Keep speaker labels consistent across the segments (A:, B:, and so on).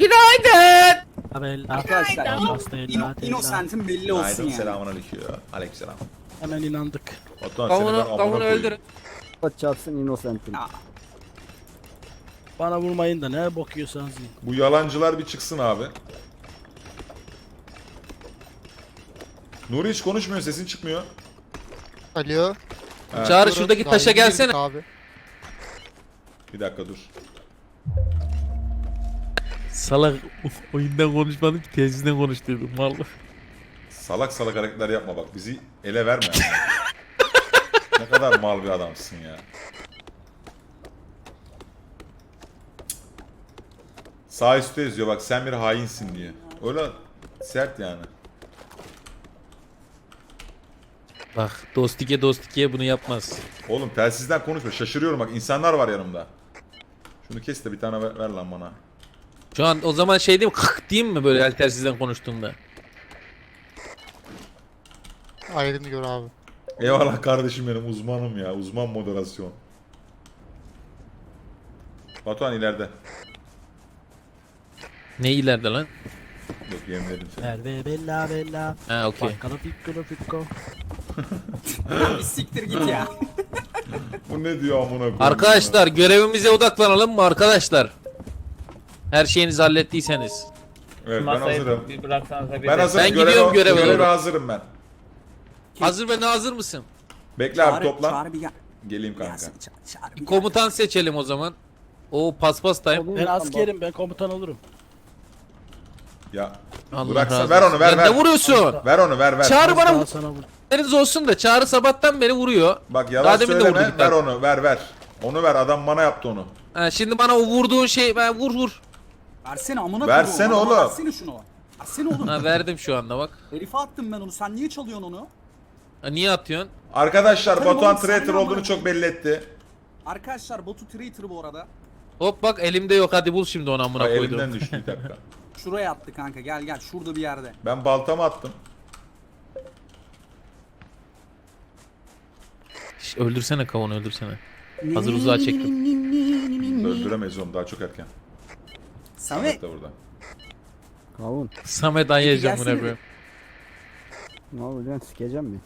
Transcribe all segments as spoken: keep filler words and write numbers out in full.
A: Günaydın.
B: Bella.
C: Arkadaşlar
B: Hasta
C: ino,
B: ella,
C: Innocent'in belli olsun
D: Günaydın,
C: yani.
D: selamun aleyküm. Aleykümselam.
B: Hemen inandık.
D: Batuhan seni ben
A: Kavunu,
D: amına
A: kavunu
D: koyayım.
A: öldürün.
E: Çarpsın Innocent'im.
C: Ya,
B: Bana vurmayın da ne bakıyorsanız yiyin.
D: Bu yalancılar bir çıksın abi. Nuri hiç konuşmuyor, sesin çıkmıyor.
F: Alo.
D: Ha,
A: Çağrı şuradaki taşa
F: Daha yeni
A: gelsene.
F: girdik Abi.
D: bir dakika dur.
A: Salak oyundan konuşmadım ki tezisten konuşturdum vallahi.
D: Salak salak hareketler yapma bak, bizi ele verme. Ne kadar mal bir adamsın ya. Sağ üstte yazıyor bak, sen bir hainsin diye. Öyle sert yani.
A: Bak dostike dostike bunu yapmaz.
D: Oğlum telsizden konuşma, şaşırıyorum bak, insanlar var yanımda. Şunu kes de bir tane ver, ver lan bana.
A: Şu an o zaman şey diyeyim kık diyeyim mi böyle el telsizden konuştuğumda?
F: Ayrını gör abi.
D: Eyvallah kardeşim benim, uzmanım ya, uzman moderasyon. Batuhan ileride.
A: Ne ileride lan?
D: Yok yemledim seni.
B: Merve Bella Bella.
A: Ha okey.
B: Bakkala fikkolo fikko.
C: bir siktir git ya.
D: Bu ne diyor amına koyayım?
A: Arkadaşlar görevimize odaklanalım mı arkadaşlar? Her şeyinizi hallettiyseniz.
D: Evet ben
G: Masayı
D: hazırım.
G: bir bıraksanız da bir
D: Ben
G: de-
D: hazırım.
A: Ben gidiyorum göreve
D: Göreve
A: doğru.
D: hazırım ben.
A: Hazır ve nazır mısın?
D: Bekle abi
C: Çağrı,
D: toplan.
C: Çağrı bir gel.
D: Geleyim kanka.
C: Gelsin, ça- Çağrı bir
A: Bir
C: gel.
A: komutan seçelim o zaman. O paspas time.
B: Ben askerim, ben komutan olurum.
D: Ya
A: Allah
D: bıraksa
A: razı
D: ver
A: olsun.
D: onu ver
A: Ya
D: ver.
A: Ne vuruyorsun?
D: Ver onu ver ver.
A: Çağrı bana
B: Daha sana vur.
A: haberiniz olsun da Çağrı sabahtan beri vuruyor.
D: Bak yalan
A: Daha demin de
D: söyleme,
A: vurduk
D: ver
A: bak.
D: onu ver ver. Onu ver, adam bana yaptı onu.
A: Ha, şimdi bana o vurduğun şey ben vur vur.
C: Versene amına
D: Versene
C: koyduğum, adama
D: oğlum.
C: Versene şunu. Versene oğlum.
A: Ha, verdim şu anda bak.
C: Herife attım ben onu. Sen niye çalıyorsun onu?
A: Ha, niye atıyorsun?
D: Arkadaşlar
C: Tabii
D: Batuhan
C: oğlum, sen
D: traitor
C: ne
D: olduğunu
C: amına
D: çok belli etti.
C: Arkadaşlar botu traitor bu arada.
A: Hop bak elimde yok hadi bul şimdi onu amına
D: Ay,
A: koydum.
D: elimden düştü bir dakika.
C: Şuraya attı kanka. Gel gel. Şurada bir yerde.
D: Ben baltamı attım.
A: Şş, öldürsene kavunu öldürsene. Hazır uzağa çektim.
D: Öldüremeyiz onu, daha çok erken.
C: Samet.
D: Samet de burada.
E: Kavun.
A: Samet ayıyacağım
C: gelsene
A: buna
C: bir.
A: koyayım.
E: Ne yapacaksın, sikeceğim mi?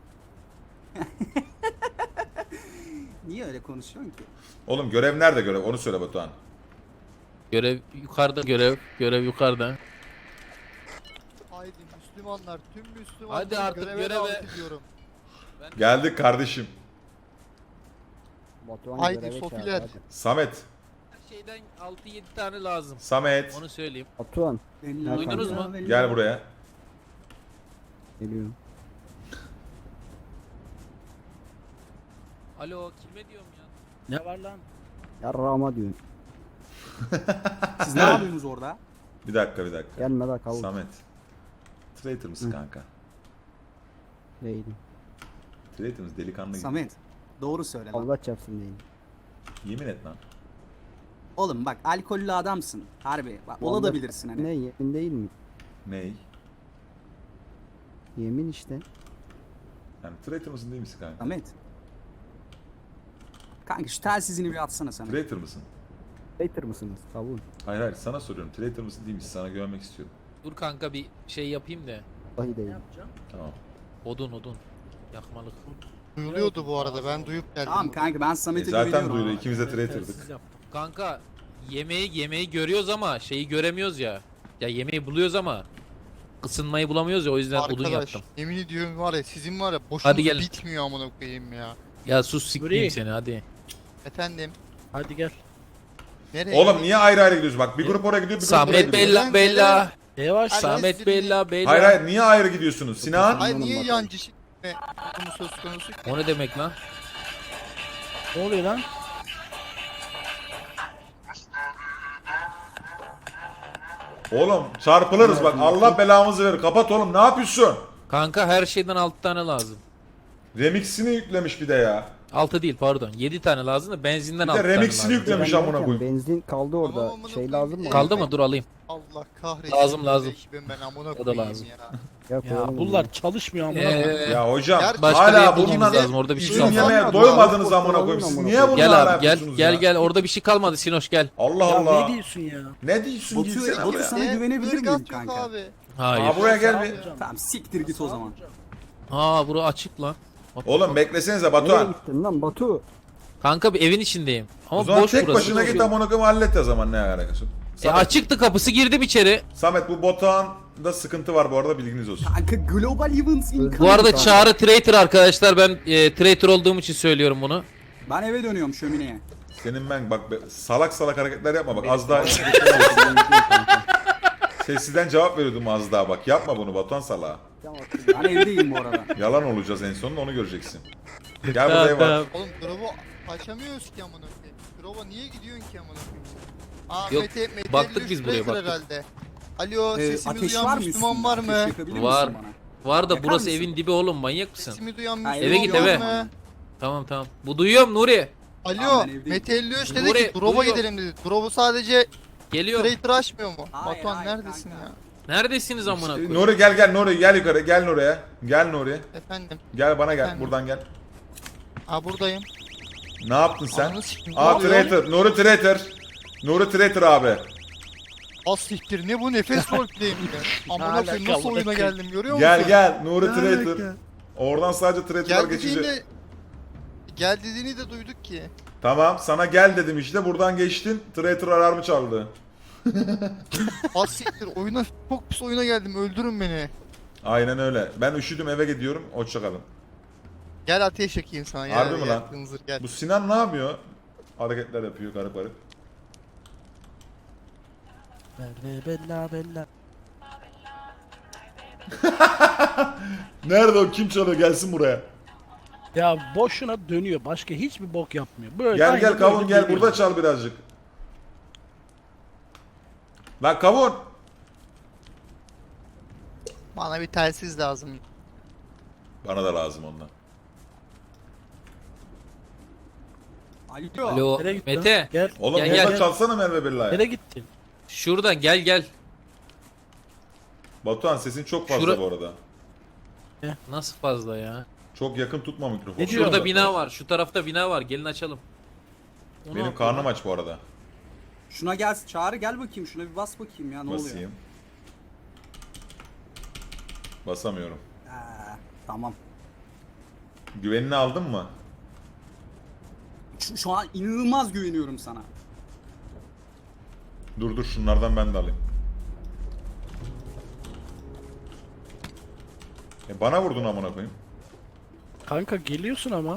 C: Niye öyle konuşuyorsun ki?
D: Oğlum görev nerede görev? Onu söyle Batuhan.
A: Görev yukarıda görev. Görev yukarıda.
F: Haydi Müslümanlar, tüm Müslümanlar
A: Hadi artık
F: göreve,
A: göreve.
F: davet ediyorum.
D: Geldik kardeşim.
E: Batuhan
F: Haydi
E: göreve çağır,
F: Sofiler.
E: hadi.
D: Samet.
A: Her şeyden altı yedi tane lazım.
D: Samet.
A: Onu söyleyeyim.
E: Batuhan.
C: Bella,
A: Duydunuz
C: bella,
A: mu?
C: bella.
D: Gel buraya.
E: Geliyorum.
A: Alo kime diyorum ya?
B: Ne var lan?
E: Yarrağıma diyorsun.
C: Siz ne yapıyorsunuz orada?
D: Bir dakika bir dakika.
E: Gelme la kavun.
D: Samet. Traitor mısın kanka?
E: Değilim.
D: Traitor mısın? Delikanlı gibi.
C: Samet. Doğru söyle lan.
E: Allah çarpsın değilim.
D: Yemin et lan.
C: Oğlum bak alkollü adamsın. Harbi. Bak ola da
E: Vallahi-
C: bilirsin hani.
E: Ne, yemin değil mi?
D: Ney?
E: Yemin işte.
D: Yani traitor mısın değil misin kanka?
C: Samet. Kanka şu telsizini bir atsana Samet.
D: Traitor mısın?
E: Hater mısınız? Kavun.
D: Hayır hayır sana soruyorum. Traitor mısın değil misin? Sana güvenmek istiyorum.
A: Dur kanka bir şey yapayım da.
E: Vallahi değil.
D: Tamam.
A: Odun odun. Yakmalık.
F: Duyuluyordu bu arada, ben duyup geldim.
C: Tamam kanka ben
D: E
C: Samet'e
D: zaten
C: güveniyorum.
D: duydu.
C: ama.
D: İkimiz de
B: Telsiz
D: traitor'dık.
B: yaptım.
A: Kanka yemeği yemeği görüyoruz ama şeyi göremiyoruz ya. Ya yemeği buluyoruz ama ısınmayı bulamıyoruz ya o yüzden odun
F: Arkadaş,
A: yaptım.
F: yemin ediyorum var ya, sizin var ya boşunuz
A: Hadi gelin.
F: bitmiyor amına koyayım ya.
A: Ya sus sikmeyeyim
B: Nuri.
A: seni hadi.
F: Efendim,
B: Hadi gel.
F: nereye?
D: Oğlum niye ayrı ayrı gidiyoruz? Bak bir grup oraya gidiyor, bir grup oraya
A: Samet
D: gidiyor.
A: Bella Bella.
B: Yavaş.
F: Hadi.
A: Samet
F: Hadi.
A: Bella Bella.
D: Hayır hayır, niye ayrı gidiyorsunuz? Sinan?
F: Hayır, niye
E: Bakalım.
F: yancı şey konu söz konusu?
A: O ne demek lan?
B: Ne oluyor lan?
D: Oğlum çarpılırız bak, Allah belamızı verir. Kapat oğlum, ne yapıyorsun?
A: Kanka her şeyden altı tane lazım.
D: Remix'ini yüklemiş bir de ya.
A: altı değil pardon. yedi tane lazım da benzinden
D: Bir
A: altı
D: de
A: tane
D: remix'ini
A: lazım.
D: yüklemiş
E: Ben
D: amına
E: derken
D: koyayım.
E: Benzin kaldı orada.
F: Tamam, amına
E: Şey
F: koyayım.
E: lazım mı?
F: Evet.
A: Kaldı mı? Dur alayım.
F: Allah kahretsin.
A: Lazım, lazım.
F: Ekibim ben amına
A: O da
F: koyayım
A: lazım.
F: ya.
E: Ya,
B: Ya bunlar çalışmıyor amına.
A: Ee,
D: Ya hocam
F: Gerçi
A: başka bir
D: hala
A: yer bulmamız
D: bununla
A: lazım. Orada bir şey
D: üzüm
A: kalmadı.
D: yemeye
F: Kalmadı.
D: doymadınız
E: Kalmadı.
D: amına koyayım. Siz
E: Kalmadı.
D: niye bununla
A: Gel
D: hala
A: abi gel
D: yapıyorsunuz
A: gel
D: ya?
A: gel. Orada bir şey kalmadı Sinoş gel.
D: Allah
B: Ya
D: Allah.
B: ne diyorsun ya?
D: Ne diyorsun
C: Batu,
D: gitsene
C: Batu
D: buraya.
C: sana
F: Ne?
C: güvenebilir
F: Irgat
C: miyim
F: yok
C: kanka?
F: abi.
A: Hayır.
D: Aa buraya gel bir.
C: Tamam siktir git o zaman.
A: Aa bura açık lan. Bak,
D: Oğlum
A: bak.
D: beklesenize
E: Nereye
D: Batuhan.
E: gittin lan Batu?
A: Kanka bir evin içindeyim. Ama
D: O zaman
A: boş
D: tek
A: burası.
D: başına git
A: Boş.
D: amına koyayım hallet o zaman ne alakası.
A: E
D: Samet,
A: açıktı kapısı girdim içeri.
D: Samet bu Batuhan'da sıkıntı var bu arada bilginiz olsun.
C: Kanka global events incoming.
A: Bu arada
C: kanka.
A: Çağrı traitor arkadaşlar. Ben e, traitor olduğum için söylüyorum bunu.
C: Ben eve dönüyorum şömineye.
D: Senin ben bak be, salak salak hareketler yapma bak az daha sessizden cevap veriyordum az daha bak yapma bunu Batuhan salağa.
C: Ben evdeyim bu arada.
D: Yalan olacağız en sonunda onu göreceksin. Gel
A: Tamam,
D: buraya bak.
A: tamam.
F: Oğlum drop'u açamıyoruz ki amına koyayım. Drop'a niye gidiyorsun ki amına koyayım? Aa
A: Yok,
F: Mete, Mete
A: baktık biz buraya,
F: Tracer
A: baktık.
F: herhalde. Alo
C: Ee,
F: sesimi
C: ateş
F: duyan
C: var mı
F: Müslüman
C: üstünde?
F: var
C: Ateş
F: mı?
C: yakabilir
A: Var.
C: misin bana?
A: Var da
C: Yakar
A: burası
C: mısın?
A: evin dibi oğlum manyak mısın?
F: Sesimi duyan
C: Ha,
F: Müslüman
A: eve git,
F: var
A: eve.
F: mı?
A: Tamam tamam. Bu duyuyorum Nuri.
F: Alo
C: Tamam, ben evdeyim.
F: Mete elli üç dedi
A: Nuri,
F: ki drop'a
A: duyuyor.
F: gidelim dedi. Drop'u sadece
A: Geliyor.
F: Trader açmıyor mu?
C: Hayır,
F: Batuhan
C: hayır,
F: neredesin
C: kanka.
F: ya?
A: Neredesiniz amına koyayım?
D: Nuri gel gel Nuri gel yukarı gel Nuri'ye. Gel Nuri.
F: Efendim.
D: Gel bana gel
F: Efendim?
D: buradan gel.
F: Aa buradayım.
D: Ne yaptın sen?
F: Ananı sikeyim,
D: Aa
F: ne oluyor?
D: traitor. Nuri traitor. Nuri traitor abi.
F: Az siktir ne bu nefes roleplay'im ya. Amına koyayım nasıl
B: alaka,
F: oyuna
B: alaka.
F: geldim görüyor musun?
D: Gel gel Nuri
F: Ne
D: traitor.
F: alaka?
D: Oradan sadece traitorlar
F: Gel
D: geçici.
F: dediğini Gel dediğini de duyduk ki.
D: Tamam sana gel dedim işte buradan geçtin. Traitor alarmı çaldı.
F: Az siktir oyuna çok pis oyuna geldim öldürün beni.
D: Aynen öyle. Ben üşüdüm eve gidiyorum. Hoşçakalın.
F: Gel ateş yakayım sana ya.
D: Harbi mi lan?
F: yaktığın zır, gel.
D: Bu Sinan ne yapıyor? Hareketler yapıyor garip garip.
B: Bella bella bella.
D: Nerede o? Kim çalıyor? Gelsin buraya.
B: Ya boşuna dönüyor. Başka hiçbir bok yapmıyor. Böyle
D: Gel
B: aynı
D: gel
B: böyle
D: kavun gel
B: dönüyor.
D: burada çal birazcık. Lan kavun.
F: Bana bir telsiz lazım.
D: Bana da lazım ondan.
C: Alo.
A: Alo
B: Nereye gittin?
A: Mete.
B: Gel.
D: Oğlum
A: Gel,
D: burada
A: gel.
D: çalsana Merve Billah'ya.
B: Nereye gittin?
A: Şuradan gel gel.
D: Batuhan sesin çok fazla
A: Şura-
D: bu arada.
A: Nasıl fazla ya?
D: Çok yakın tutma mikrofonu.
B: Ne diyor?
A: Şurada bina var. Şu tarafta bina var. Gelin açalım. Onu
D: Benim
A: al.
D: karnım aç bu arada.
C: Şuna gel Çağrı gel bakayım şuna bir bas bakayım ya ne oluyor?
D: Basayım. Basamıyorum.
C: Ee, tamam.
D: Güvenini aldın mı?
C: Şu, şu an inanılmaz güveniyorum sana.
D: Dur dur şunlardan ben de alayım. E bana vurdun amına koyayım.
B: Kanka geliyorsun ama.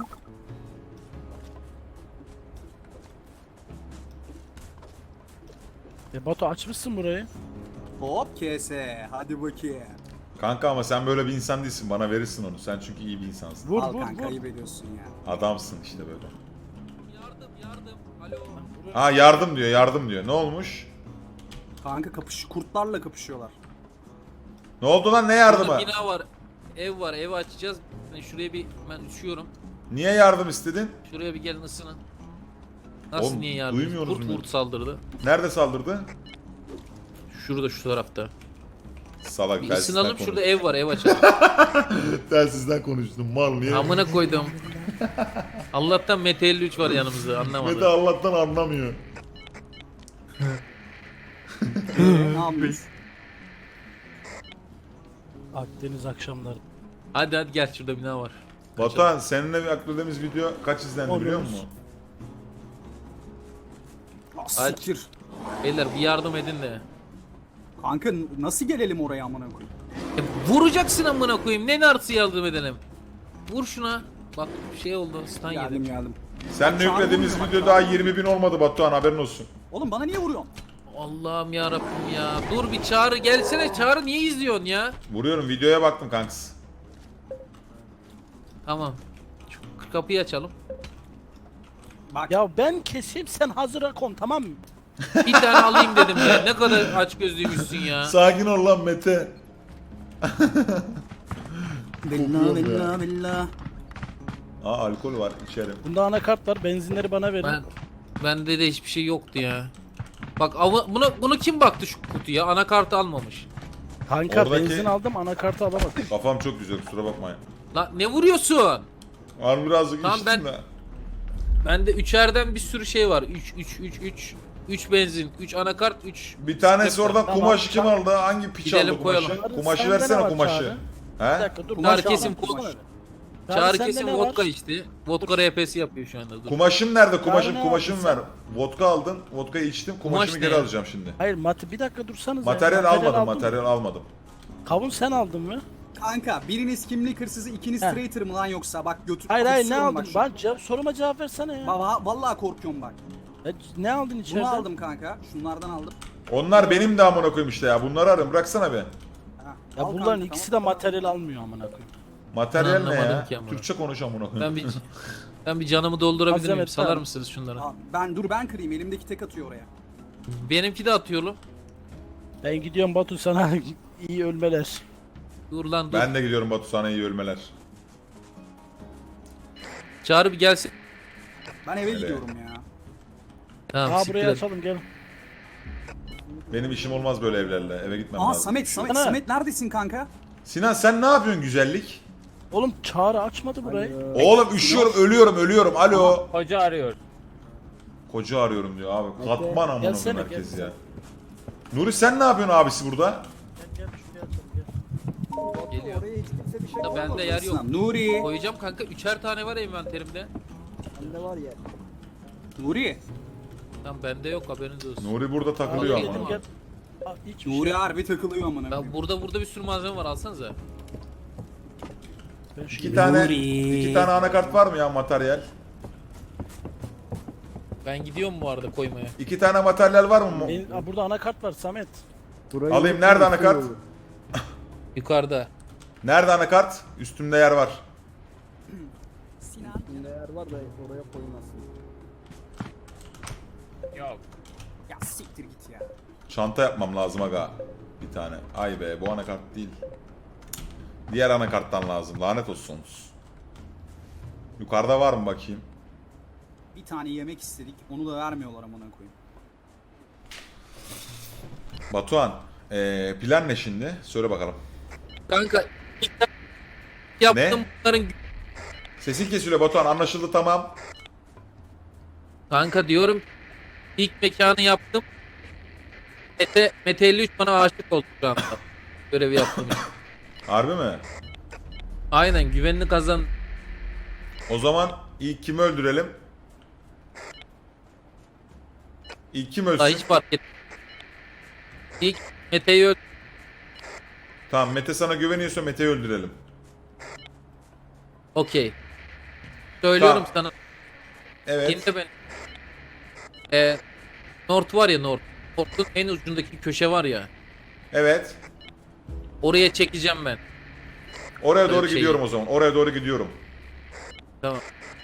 B: E Batu açmışsın burayı.
C: Hop kese hadi bakayım.
D: Kanka ama sen böyle bir insan değilsin. Bana verirsin onu. Sen çünkü iyi bir insansın.
B: Vur
C: Al
B: vur
C: kanka
B: vur.
C: ayıp ediyorsun ya.
D: Adamsın işte böyle.
A: Yardım yardım. Alo.
D: Ha yardım diyor, yardım diyor. Ne olmuş?
C: Kanka kapış kurtlarla kapışıyorlar.
D: Ne oldu lan ne
A: Burada
D: yardımı?
A: bina var. Ev var. Evi açacağız. Ben şuraya bir ben üşüyorum.
D: Niye yardım istedin?
A: Şuraya bir gelin ısının. Nasıl
D: Oğlum,
A: niye yardım?
D: duymuyoruz
A: Kurt
D: mu?
A: kurt saldırdı.
D: Nerede saldırdı?
A: Şurada şu tarafta.
D: Salak
A: Bir
D: telsizden
A: ısınalım
D: konuş.
A: şurada ev var ev açalım.
D: Telsizden konuştum mal niye?
A: Amına koydum. Allah'tan Mete elli üç var yanımızda
D: Mete
A: anlamadı.
D: Allah'tan anlamıyor.
C: ne yapmış?
B: Akdeniz akşamları.
A: Hadi hadi gel şurada bina var.
D: Batuhan seninle bir akladığımız video kaç izlendi biliyor
B: Oluyoruz.
D: musun?
C: Ah,
A: Hadi.
C: siktir.
A: Beyler bir yardım edin de.
C: Kanka n- nasıl gelelim oraya amına koyayım?
A: E, vuracaksın amına koyayım. Ne narsı yardım edelim? Vur şuna. Bak şey oldu. Stun
C: Geldim
A: yedim.
C: geldim.
D: Seninle yüklediğimiz video daha yirmi bin olmadı Batuhan haberin olsun.
C: Oğlum bana niye vuruyorsun?
A: Allah'ım ya Rabbim ya. Dur bir Çağrı gelsene. Çağrı niye izliyorsun ya?
D: Vuruyorum videoya baktım kanks.
A: Tamam. Şu kapıyı açalım.
C: Bak
B: Ya ben keseyim sen hazıra kon tamam mı?
A: Bir tane alayım dedim ya. Ne kadar aç gözlüymüşsün ya.
D: Sakin ol lan Mete.
C: bella
D: kokuyor
C: bella bella.
D: Aa alkol var içerim.
B: Bunda anakart var. Benzinleri bana verin.
A: Ben bende de hiçbir şey yoktu ya. Bak ama buna bunu kim baktı şu kutuya? Anakartı almamış.
B: Kanka
D: Oradaki-
B: benzin aldım anakartı alamadım.
D: Kafam çok güzel kusura bakmayın.
A: Lan ne vuruyorsun?
D: Var birazcık
A: Tamam,
D: içtim
A: ben-
D: de.
A: Bende üçerden bir sürü şey var. üç üç üç üç üç benzin, üç anakart, üç
D: Bir tanesi oradan
B: Tamam,
D: kumaşı kim
B: tamam.
D: aldı? Hangi piç
A: Gidelim,
D: aldı kumaşı?
A: koyalım.
D: Kumaşı
B: Sende ne
D: versene
B: var
D: kumaşı.
B: Çağrı? Bir
D: He?
B: dakika dur.
A: Çağrı
B: kumaşı
A: kesin
B: aldım,
A: kumaş.
B: kumaşı.
A: Çağrı
B: sende
A: kesin
B: ne
A: vodka
B: var?
A: içti. Vodka R P'si yapıyor şu anda. Dur.
D: Kumaşım nerede? Kumaşım
B: ne
D: kumaşım
B: aldın
D: ver. Vodka aldın. Vodkayı içtim. Kumaşımı
A: Kumaş ne
D: geri
A: ya?
D: alacağım şimdi.
B: Hayır mat bir dakika dursanız.
D: Materyal almadım.
B: aldın mı?
D: Materyal almadım.
B: Kavun sen aldın mı?
C: Kanka biriniz kimlik hırsızı, ikiniz
B: Heh.
C: traitor mı lan yoksa? Bak götür.
B: Hayır hayır ne
C: kusuyorum
B: aldın?
C: bak
B: Ben cevap, soruma cevap versene ya.
C: şu- Va- Vallahi korkuyorum bak.
B: Ya ne aldın içeriden?
C: Bunu aldım kanka. Şunlardan aldım.
D: Onlar benim de amına koyayım işte ya. Bunları arıyorum. Bıraksana be.
C: Ha,
B: Ya
C: al
B: bunların
C: kanka,
B: ikisi de
C: tamam.
B: materyal almıyor amına koyayım.
D: Materyal ne
A: Anlamadım
D: ya?
A: ki amına.
D: Türkçe konuş amına koyayım.
A: Ben bir ben bir canımı doldurabilir miyim?
B: Malzeme
A: Salar
B: tamam.
A: mısınız şunları?
C: Aa, ben dur ben kırayım. Elimdeki tek atıyor oraya.
A: Benimki de atıyor oğlum.
B: Ben gidiyorum Batu sana iyi ölmeler.
A: Dur lan dur.
D: Ben de gidiyorum Batu sana iyi ölmeler.
A: Çağrı bir gelsin.
C: Ben eve
D: Öyle.
C: gidiyorum ya.
A: Tamam,
B: Aa
A: siktir
B: buraya
A: et.
B: açalım gel.
D: Benim işim olmaz böyle evlerle. Eve gitmem
C: Aa
D: lazım.
C: Samet, Samet,
B: Ana.
C: Samet neredesin kanka?
D: Sinan sen ne yapıyorsun güzellik?
B: Oğlum Çağrı açmadı burayı.
D: Oğlum üşüyorum, ölüyorum, ölüyorum. Alo.
G: Hoca arıyor.
D: Koca arıyorum diyor abi. Katman amına
B: Gelsene,
D: koyayım herkes
B: gelsene.
D: ya. Nuri sen ne yapıyorsun abisi burada?
B: Gel gel şuraya açalım gel.
A: Geliyor.
E: Oraya hiç kimse bir şey
A: Da bende yer yok.
C: Nuri.
A: Koyacağım kanka. Üçer tane var envanterimde.
E: Bende var ya.
C: Nuri.
A: Tamam bende yok, haberiniz olsun.
D: Nuri burada takılıyor
A: Vallahi
D: ama.
A: yedim.
B: Gel. Aa, hiç bir
C: Nuri
B: şey.
C: harbi takılıyor amına.
A: Ya
C: koyayım.
A: burada burada bir sürü malzeme var, alsanıza.
B: Ben şu
D: İki tane,
C: Nuri.
D: iki tane anakart var mı ya materyal?
A: Ben gidiyorum bu arada koymaya.
D: İki tane materyal var mı?
B: Benim- Aa, burada anakart var Samet.
E: Burayı
D: Alayım, nerede anakart?
A: Yukarıda.
D: Nerede anakart? Üstümde yer var.
C: Sinan.
E: Üstünde yer var da oraya koymasın.
G: Yok.
C: Ya siktir git ya.
D: Çanta yapmam lazım aga. Bir tane. Ay be bu anakart değil. Diğer anakarttan lazım. Lanet olsun. Yukarıda var mı bakayım?
C: Bir tane yemek istedik. Onu da vermiyorlar amına koyayım.
D: Batuhan. Ee, plan ne şimdi? Söyle bakalım.
A: Kanka ilk yaptım
D: Ne?
A: bunların.
D: Sesin kesiliyor Batuhan. Anlaşıldı tamam.
A: Kanka diyorum ilk mekanı yaptım. Mete, Mete elli üç bana aşık oldu şu anda. Görevi yaptım.
D: Harbi mi?
A: Aynen, güvenini kazan.
D: O zaman ilk kimi öldürelim? İlk kim ölsün?
A: Daha hiç fark et. İlk Mete'yi öldü.
D: Tamam Mete sana güveniyorsa Mete'yi öldürelim.
A: Okey. Söylüyorum
D: Tamam.
A: sana.
D: Evet.
A: Dinle beni. Ee, North var ya North. North'un en ucundaki köşe var ya.
D: Evet.
A: Oraya çekeceğim ben.
D: Oraya
A: Öyle
D: doğru
A: bir şey
D: gidiyorum
A: yok.
D: o zaman. Oraya doğru gidiyorum.
A: Tamam.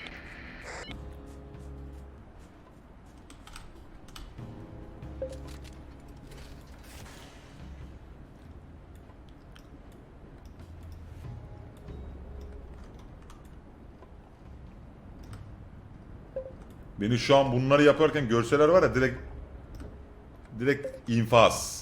D: Beni şu an bunları yaparken görseler var ya direkt direkt infaz.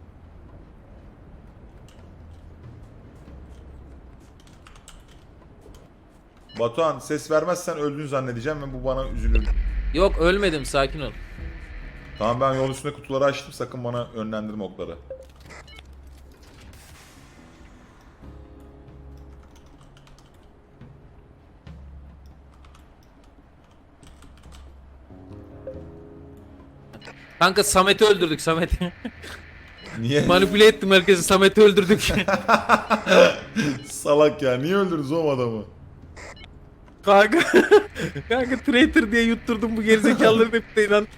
D: Batuhan ses vermezsen öldüğünü zannedeceğim ve bu bana üzülür.
A: Yok ölmedim, sakin ol.
D: Tamam ben yol üstünde kutuları açtım sakın bana yönlendirme okları.
A: Kanka Samet'i öldürdük, Samet'i.
D: Niye?
A: Manipüle ettim herkesi, Samet'i öldürdük.
D: Salak ya niye öldürdünüz o adamı?
A: Kanka. Kanka traitor diye yutturdum bu gerizekalıların hepsine inan.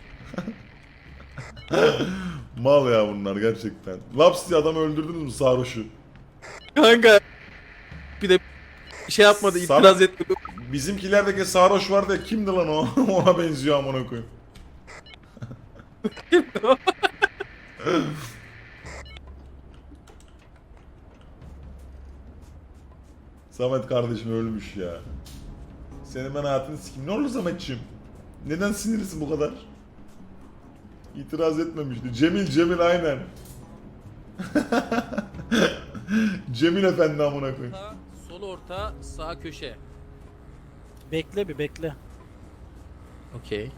D: Mal ya bunlar gerçekten. Laps diye adamı öldürdünüz mü sarhoşu?
A: Kanka. Bir de bir şey yapmadı,
D: Samet-
A: itiraz etmedi.
D: Bizimkilerdeki sarhoş vardı ya kimdi lan o? Ona benziyor amına koyayım. Samet kardeşim ölmüş ya. Senin ben hayatını sikeyim. Ne oldu Sametciğim? Neden sinirlisin bu kadar? İtiraz etmemişti. Cemil Cemil aynen. Cemil Efendi amına koyayım.
A: Sağ, sol orta, sağ köşe.
B: Bekle bir bekle.
A: Okey.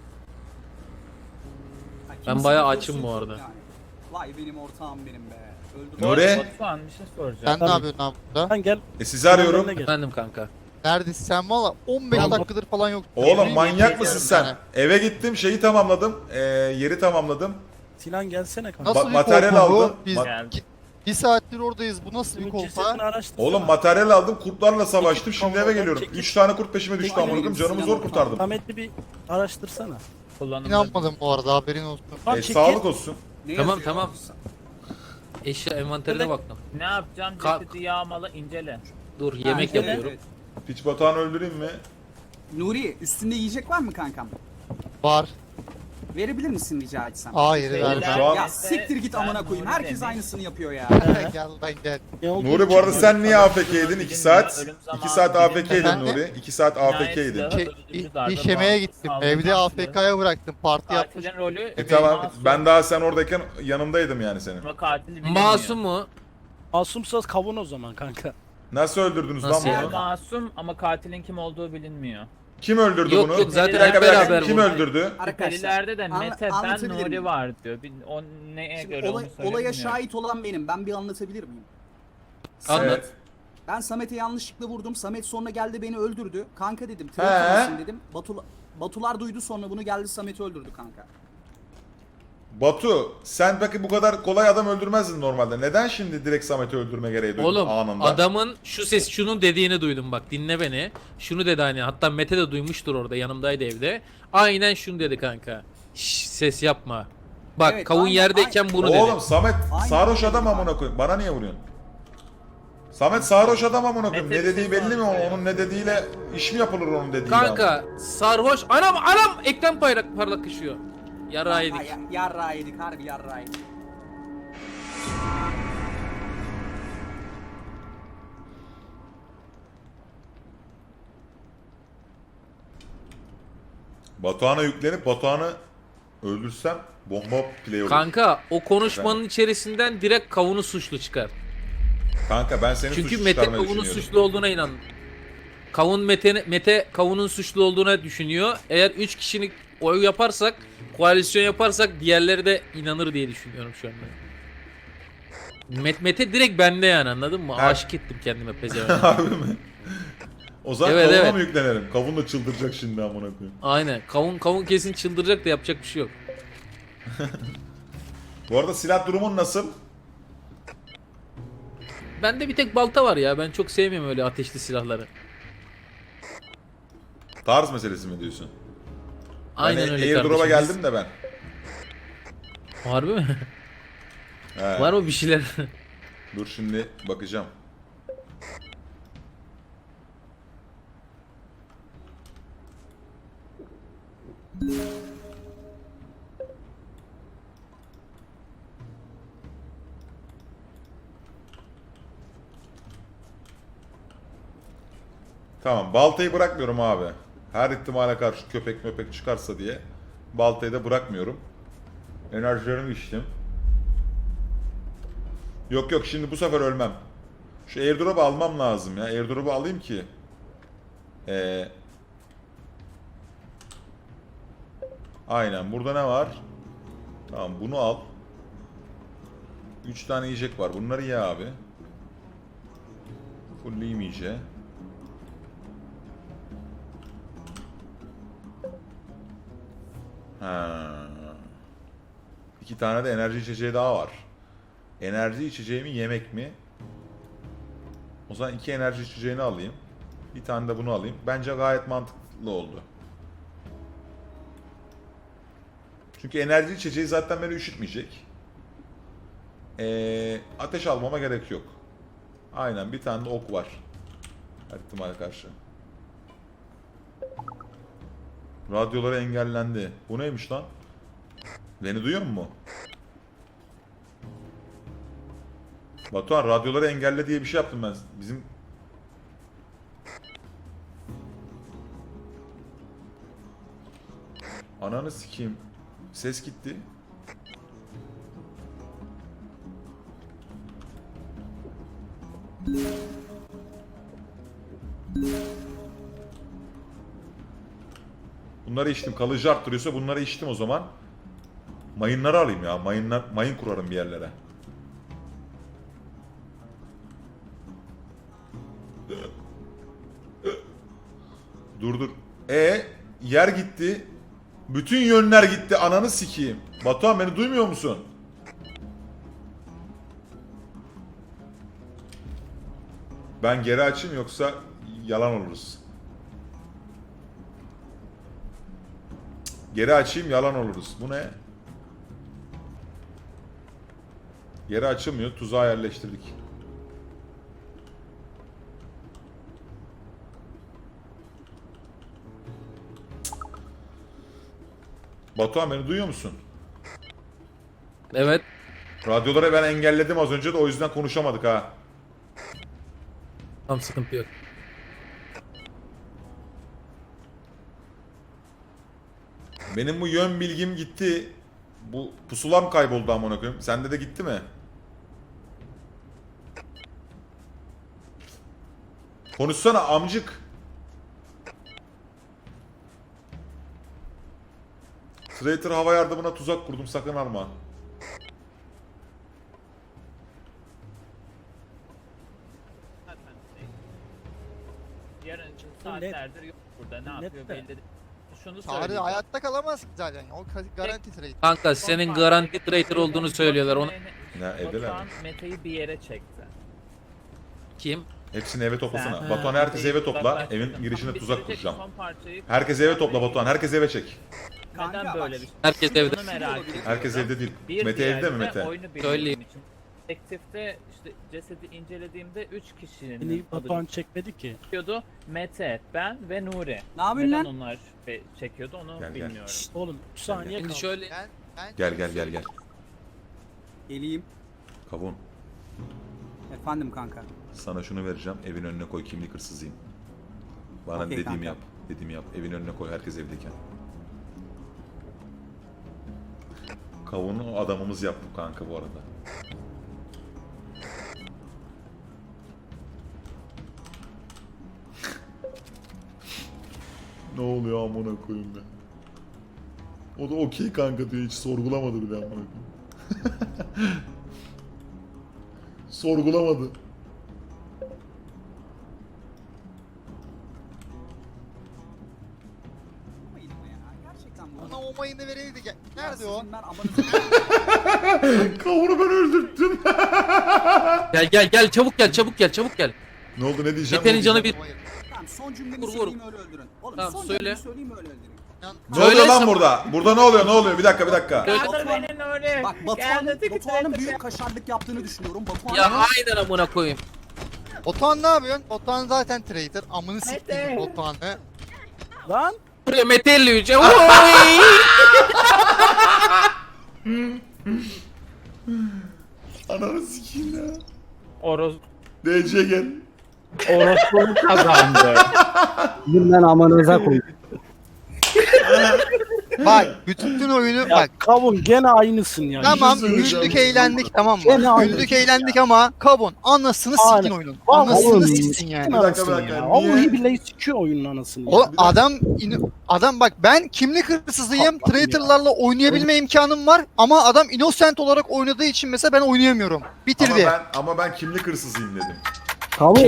C: Ha,
A: Ben
C: kimse
A: bayağı
C: yok,
A: açım
C: yok
A: bu
C: yok
A: arada.
C: yani. Vay benim ortağım benim be. Öldürdüm.
D: Nuri.
G: Batuhan bir şey soracağım.
F: Sen ne
B: Tabii.
F: yapıyorsun abi burada?
B: Sen gel.
D: E sizi arıyorum.
B: benimle gel.
A: Efendim kanka.
F: Neredesin sen valla? on beş
B: Ben-
F: dakikadır falan yok.
D: Oğlum manyak
F: Yemin
D: mısın
F: ediyorum
D: sen?
F: yani.
D: Eve gittim, şeyi tamamladım. Ee, yeri tamamladım.
B: Sinan gelsene kanka.
F: Nasıl
D: Ba-
F: bir
D: materyal
F: kolpa bu?
D: aldım.
F: Biz
D: Ma-
F: git- bir saattir oradayız. Bu nasıl bir
B: Bunun
F: kolpa?
B: cesedini araştırsana.
D: Oğlum materyal aldım, kurtlarla savaştım.
B: Çekil,
D: Şimdi eve
B: kavgadan
D: geliyorum.
B: çekil.
D: üç tane kurt peşime düştü
C: Aynen,
D: amına koyayım. Canımı
C: Sinan
D: zor kurtardım.
B: Samet'i bir araştırsana.
G: Kullanımda.
F: İnanmadım bu arada, haberin olsun.
B: Lan
D: E,
B: çekil.
D: sağlık olsun.
C: Ne
A: Tamam,
C: yazıyor?
A: tamam. Eşya envanterine
B: Nerede?
A: baktım.
G: Ne yapacağım?
A: Kalk.
G: Cesedi yağmala incele.
A: Dur
C: Ha,
A: yemek
C: evet,
A: yapıyorum.
C: evet.
D: Piç Batuhan'ı öldüreyim mi?
C: Nuri üstünde yiyecek var mı kankam?
F: Var.
C: Verebilir misin rica etsem?
F: Hayır
G: Beyler
F: vermem.
D: Şu an-
C: Ya
G: neyse,
C: siktir git
G: ben
C: amına koyayım.
G: Nuri
C: Herkes
G: demiş.
C: aynısını yapıyor ya.
F: Gel lan gel.
B: Ne olduğunu
D: Nuri bu arada
B: çıkmıyor.
D: sen niye A F K'ydin iki saat?
G: Ölüm zamanı
D: iki saat A F K'ydin
F: Efendim?
D: Nuri. iki saat A F K'ydin.
G: Cinayet
F: Şey,
G: öldürücü darbe,
F: iş yemeye
G: bağımsız
F: gittim.
G: saldırı
F: Evde
G: sanatı.
F: A F K'ya bıraktım. Parti yapmış.
G: Katilin rolü
D: E tamam. Ben daha sen oradayken yanındaydım yani senin.
G: Ama katili bilmiyor.
A: Masum mu?
B: Masumsaz kavun o zaman kanka.
D: Nasıl öldürdünüz lan
A: Nasıl ya?
D: bunu?
G: Masum ama katilin kim olduğu bilinmiyor.
D: Kim öldürdü
A: Yok,
D: bunu?
A: yok, zaten
D: Bir dakika,
G: hep
D: bir dakika.
A: beraber
D: Kim
A: bu.
D: öldürdü?
C: Arkadaşlar.
G: Şüphelilerde de
C: anla-
G: Mete ben
C: anlatabilir
G: Nuri
C: miyim?
G: var diyor. Bir, o neye
C: Şimdi
G: göre
C: olay-
G: onu söyle
C: olaya
G: bilmiyorum.
C: şahit olan benim. Ben bir anlatabilir miyim?
A: Anlat.
D: Evet.
C: Ben Samet'e yanlışlıkla vurdum. Samet sonra geldi beni öldürdü. Kanka dedim.
D: He.
C: Trafik dedim. Batul Batular duydu sonra bunu geldi Samet'i öldürdü kanka.
D: Batu, sen peki bu kadar kolay adam öldürmezdin normalde. Neden şimdi direkt Samet'i öldürme gereği duydun
A: Oğlum
D: anında?
A: adamın şu ses şunun dediğini duydum bak dinle beni. Şunu dedi hani hatta Mete de duymuştur orada yanımdaydı evde. Aynen şunu dedi kanka. Şş, ses yapma. Bak
C: Evet,
A: kavun
C: aynen,
A: yerdeyken
C: aynen.
A: bunu
D: Oğlum
A: dedi.
D: Samet
C: Aynen
D: sarhoş
C: öyle
D: adam
C: dedi
D: amına
C: abi.
D: koyayım. Bana niye vuruyorsun? Samet sarhoş adam amına koyayım.
G: Mete
D: Ne
G: bir
D: dediği
G: şey
D: belli mi?
G: sormuş ya.
D: Onun ne dediğiyle iş mi yapılır onun dediğiyle?
A: Kanka sarhoş anam anam ekran parlak parlakışıyor. Yara yedik.
C: Ha, ya, yarra yedik harbi yarra yedik.
D: Batuhan'a yüklenip Batuhan'ı öldürsem bomba play olur.
A: Kanka o konuşmanın içerisinden direkt kavunu suçlu çıkar.
D: Kanka ben seni
A: Çünkü
D: suçlu
A: Mete
D: çıkarmayı
A: kavunun
D: düşünüyorum.
A: suçlu olduğuna inan. Kavun Mete, Mete kavunun suçlu olduğuna düşünüyor. Eğer üç kişilik oy yaparsak, koalisyon yaparsak diğerleri de inanır diye düşünüyorum şu anda. Met, Mete direkt bende yani anladın mı?
D: Ha.
A: Aşık ettim kendime pezevenk.
D: Harbi mi? O zaman
A: Evet,
D: kavuna
A: evet.
D: mı yüklenelim? Kavun da çıldıracak şimdi amına koyayım.
A: Aynen. Kavun kavun kesin çıldıracak da yapacak bir şey yok.
D: Bu arada silah durumun nasıl?
A: Bende bir tek balta var ya. Ben çok sevmiyorum öyle ateşli silahları.
D: Tarz meselesi mi diyorsun?
A: Aynen
D: ben
A: öyle
D: Airdrop'a
A: kardeşim.
D: geldim de ben.
A: Harbi mi?
D: He.
A: Var mı bir şeyler?
D: Dur şimdi bakacağım. Tamam, baltayı bırakmıyorum abi. Her ihtimale karşı köpek möpek çıkarsa diye baltayı da bırakmıyorum. Enerjilerimi içtim. Yok yok, şimdi bu sefer ölmem. Şu airdrop'u almam lazım ya. Airdrop'u alayım ki. Ee, aynen, burada ne var? Tamam, bunu al. üç tane yiyecek var. Bunları ye abi. Fullleyeyim iyice. Ha. İki tane de enerji içeceği daha var. Enerji içeceği mi, yemek mi? O zaman iki enerji içeceğini alayım. Bir tane de bunu alayım. Bence gayet mantıklı oldu. Çünkü enerji içeceği zaten beni üşütmeyecek. Ee, ateş almama gerek yok. Aynen, bir tane de ok var. Her ihtimale karşı. Radyoları engellendi. Bu neymiş lan? Beni duyuyor mu? Batuhan, radyoları engelle diye bir şey yaptım ben. Bizim... Ananı sikeyim. Ses gitti. Bunları içtim. Kalıcı arttırıyorsa bunları içtim o zaman. Mayınları alayım ya. Mayınlar, mayın kurarım bir yerlere. Dur dur. E yer gitti. Bütün yönler gitti. Ananı sikeyim. Batuhan beni duymuyor musun? Ben geri açayım yoksa yalan oluruz. Geri açayım yalan oluruz. Bu ne? Geri açılmıyor. Tuzağa yerleştirdik. Batuhan beni duyuyor musun?
A: Evet.
D: Radyoları ben engelledim az önce de o yüzden konuşamadık ha.
A: Tam sıkıntı yok.
D: Benim bu yön bilgim gitti. Bu pusulam kayboldu amına koyayım. Sende de gitti mi? Konuşsana amcık. Traitor hava yardımına tuzak kurdum, sakın alma.
G: Yarın için saatlerdir yok burada. Ne
B: Net
G: yapıyor
B: de.
G: belli değil. Şunu
F: Tarih
G: söyleyeyim.
F: hayatta kalamaz ki zaten. O ka- garanti trade.
A: Kanka senin garanti traitor olduğunu söylüyorlar. Onu
D: Ne, evdeler mi?
G: Batuhan Mete'yi bir yere çekti.
A: kim?
D: Hepsini eve toplasana.
G: Sen-
D: Batuhan herkesi eve topla.
G: Uzaklaştırdın.
D: Evin girişine
G: Bitirecek
D: tuzak kuracağım.
G: son parçayı-
D: Herkesi eve topla Batuhan. Herkesi eve çek.
G: Neden
C: Kanka
G: böyle
C: bak,
G: bir şey?
A: Herkes evde.
G: Bunu merak ediyorum.
D: Herkes evde değil.
G: Bir
D: Mete evde mi
G: diğerde
D: Mete?
G: Oyunu
A: Söyleyeyim.
G: bildiğim için. Detektifte işte cesedi incelediğimde üç kişinin
B: Beni
G: adı
B: Batuhan çekmedi ki.
G: çıkıyordu. Mete, ben ve Nuri.
C: Ne yapıyorsun
G: Neden
C: lan?
G: onlar be- çekiyordu onu
D: Gel, gel.
G: bilmiyorum.
B: Şşt oğlum üç saniye
A: Şimdi
B: kaldı.
A: şöyle
F: Ben, ben
D: Gel gel gel gel.
C: Geleyim.
D: Kavun.
C: Efendim kanka.
D: Sana şunu vereceğim. Evin önüne koy, kimlik hırsızıyım. Bana
C: Okey
D: dediğimi
C: kanka.
D: yap. Dediğimi yap. Evin önüne koy, herkes evdeyken. Kavunu adamımız yaptı kanka bu arada. Ne oluyor amına koyayım be. O da okey kanka diyor, hiç sorgulamadı bile amına koyayım. Sorgulamadı.
C: Yapmayın ama ya. Gerçekten bu.
F: ona o mayını vereydi. Gel- Nerede o?
C: Ben amanızı...
D: Kavunu ben öldürttüm.
A: gel gel gel çabuk gel çabuk gel çabuk gel.
D: Ne oldu, ne diyeceğim?
A: Mete'nin
D: ne
A: canı
D: diyeceğim?
A: bir.
C: Tamam son cümlemi
A: Vur, vur.
C: söyleyeyim öyle öldürün. Oğlum
A: Tamam,
C: son
A: söyle.
C: cümlemi söyleyeyim öyle öldürün.
D: Ne
A: Söyle
D: oluyor lan
A: sen-
D: burada? Burada ne oluyor? Ne oluyor? Bir dakika, bir dakika.
A: Söyle.
G: Kaldır beni Nuri.
C: Bak Batuhan'ın
G: Geldi,
C: Batuhan'ın
G: tek-
C: büyük kaşarlık yaptığını düşünüyorum. Batuhan'ın
A: Ya aynen amına koyayım.
F: Batuhan ne yapıyorsun? Batuhan zaten trader. Amını
G: Mete.
F: siktiğim Batuhan'ı.
B: Lan
A: Buraya Mete elli Oy!
D: Ananı sikeyim ya.
G: Oroz
D: D C gel.
G: Orospu'nu kazandı.
E: Bundan amanıza koy.
F: Bak bütün oyunu
B: ya
F: bak.
B: kavun gene aynısın ya.
F: Tamam
D: söyleyeceğim.
F: güldük eğlendik tamam
E: Gene
F: mı?
E: aynı
F: Güldük
E: şey
F: eğlendik ama kabon anasını
B: Aynen.
F: sikin oyunun.
B: Vallahi
F: Anasını
B: oğlum,
F: siksin yani.
B: Sikin
D: Bir dakika,
B: anasını
D: bir dakika.
B: ya.
D: Niye?
B: Vallahi billahi sikiyor oyunun anasını.
F: O
B: ya.
F: adam in- adam bak ben kimlik hırsızıyım.
B: Allah'ım
F: Traitor'larla oynayabilme imkanım var ama adam innocent olarak oynadığı için mesela ben oynayamıyorum.
D: Ama
F: Bitirdi.
D: ben, ama ben kimlik hırsızıyım dedim.
E: Kavun.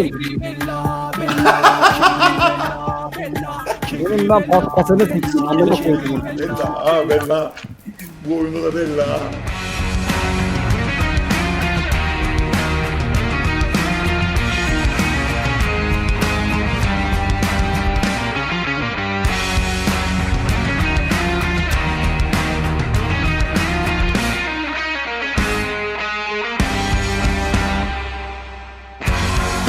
E: Benim ben paspasını siksin. Anladın mı?
D: Bella, ha bella. Bu oyunda da bella.